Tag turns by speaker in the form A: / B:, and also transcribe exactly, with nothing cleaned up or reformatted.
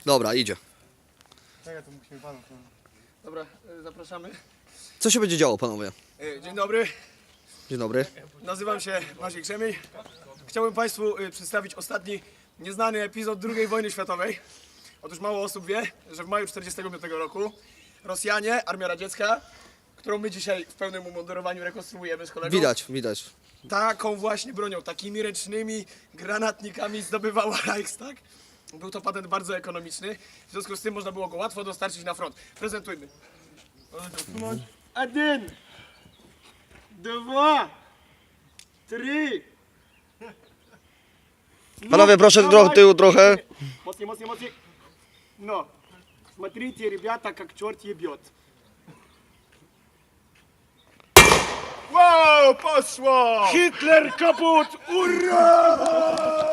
A: Dobra, idzie.
B: Czekaj, to musimy panu. Dobra, y, zapraszamy.
A: Co się będzie działo, panowie?
B: Y, Dzień dobry,
A: Dzień dobry.
B: nazywam się Maciek Krzemień. Chciałbym Państwu y, przedstawić ostatni nieznany epizod drugiej wojny światowej. Otóż mało osób wie, że w maju tysiąc dziewięćset czterdziestego piątego roku Rosjanie, Armia Radziecka, którą my dzisiaj w pełnym umundurowaniu rekonstruujemy z kolegą,
A: Widać, widać.
B: taką właśnie bronią, takimi ręcznymi granatnikami zdobywała Reichstag. Był to patent bardzo ekonomiczny, w związku z tym można było go łatwo dostarczyć na front. Prezentujmy. Один, dwa, trzy.
A: Panowie, proszę do tyłu trochę.
B: Mocniej, mocniej, mocniej. No, смотрите, ребята, как черт ебет. Wow, poszło! Hitler kaput! Ura!